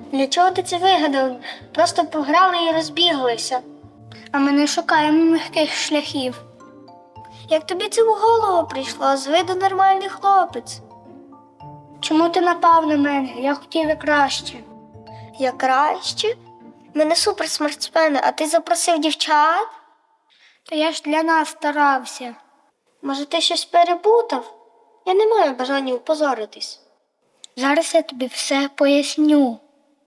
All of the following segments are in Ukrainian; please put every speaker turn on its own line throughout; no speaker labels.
Для чого ти це вигадав? Просто пограли і розбіглися. А ми не шукаємо легких шляхів. Як тобі це в голову прийшло? З виду нормальний хлопець. Чому ти напав на мене? Я хотів і краще. Я краще? Ми не суперспортсмени, а ти запросив дівчат? Та я ж для нас старався. Може, ти щось перепутав? Я не маю бажання опозоритись. Зараз я тобі все поясню.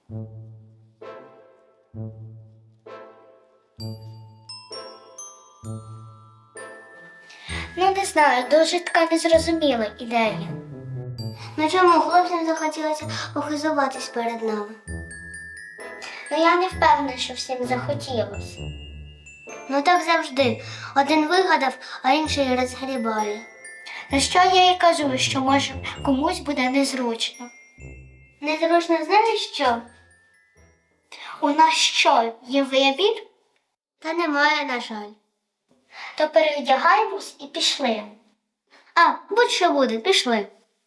Ну, не знаю, дуже така незрозуміла ідея. На чому хлопцям захотілося похизуватись перед нами? Ну, я не впевнена, що всім захотілося. Ну так завжди. Один вигадав, а інший розгрібає. На що я і кажу, що може комусь буде незручно. Незручно знаєш що? У нас що, є вибір? Та немає, на жаль. То перевдягаємось і пішли. А, будь-що буде, пішли.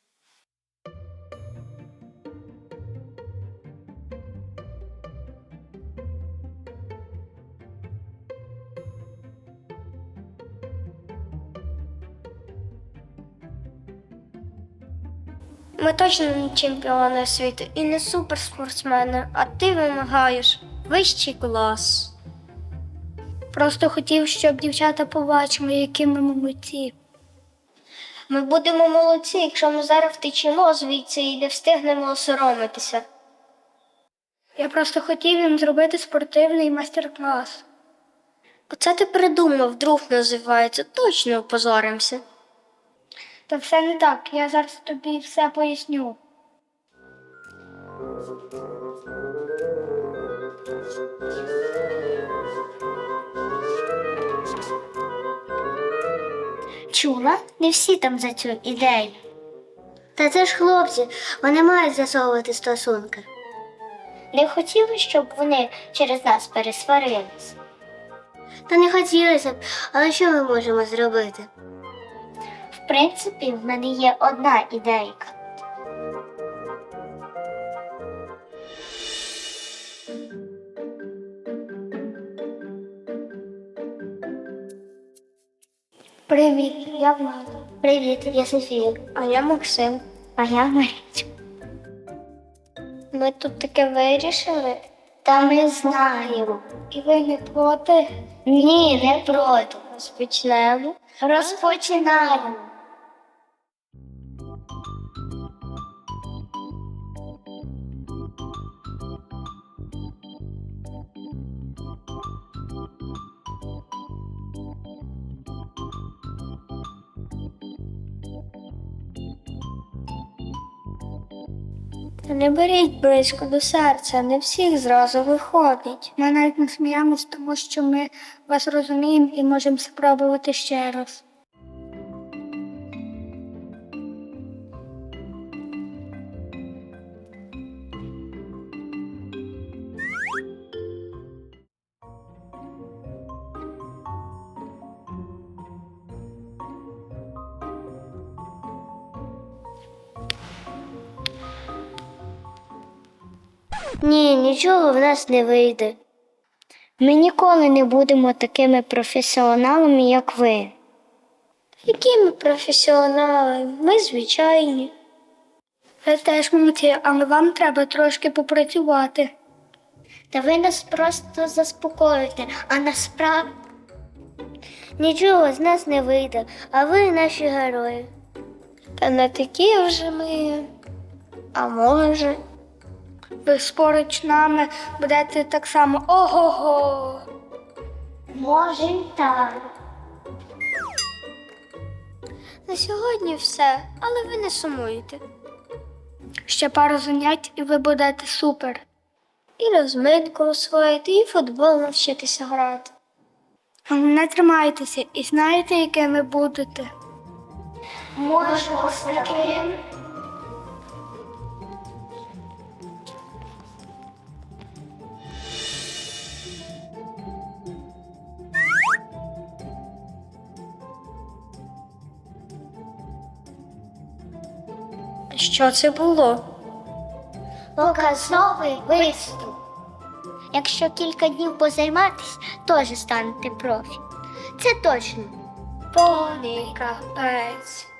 Ми точно не чемпіони світу і не суперспортсмени, а ти вимагаєш вищий клас. Просто хотів, щоб дівчата побачили, які ми молодці. Ми будемо молодці, якщо ми зараз втечемо звідси і не встигнемо осоромитися. Я просто хотів їм зробити спортивний майстер-клас. Оце ти придумав, друг називається, точно опозоримося. Та все не так, я зараз тобі все поясню. Чула? Не всі там за цю ідею. Та це ж хлопці, вони мають засовувати стосунки. Не хотіли, щоб вони через нас пересварились? Та не хотілося б, але що ми можемо зробити? В принципі, в мене є одна ідейка. Привіт, я Влада. Привіт, я Софія. А я Максим. А я Марічка. Ми тут таке вирішили? Та ми знаємо. І ви не проти? Ні, не проти. Розпочнемо. Розпочинаємо. Та не беріть близько до серця, не всіх зразу виходить. Ми навіть не сміємось, тому що ми вас розуміємо і можемо спробувати ще раз. Ні, нічого в нас не вийде. Ми ніколи не будемо такими професіоналами, як ви. Які ми професіонали? Ми звичайні. Ви теж молодці, але вам треба трошки попрацювати. Та ви нас просто заспокоїте, а насправді нічого з нас не вийде, а ви наші герої. Та не такі вже ми, а може. Ви поруч нами будете так само ого-го. Може й так. На сьогодні все, але ви не сумуєте. Ще пару занять і ви будете супер. І розминку освоїти, і футбол навчитися грати. Не тримайтеся і знаєте, якими будете. Можемо з таким. Що це було? показовий виступ. Якщо кілька днів позайматись, теж станете профі. Це точно. Повний капець.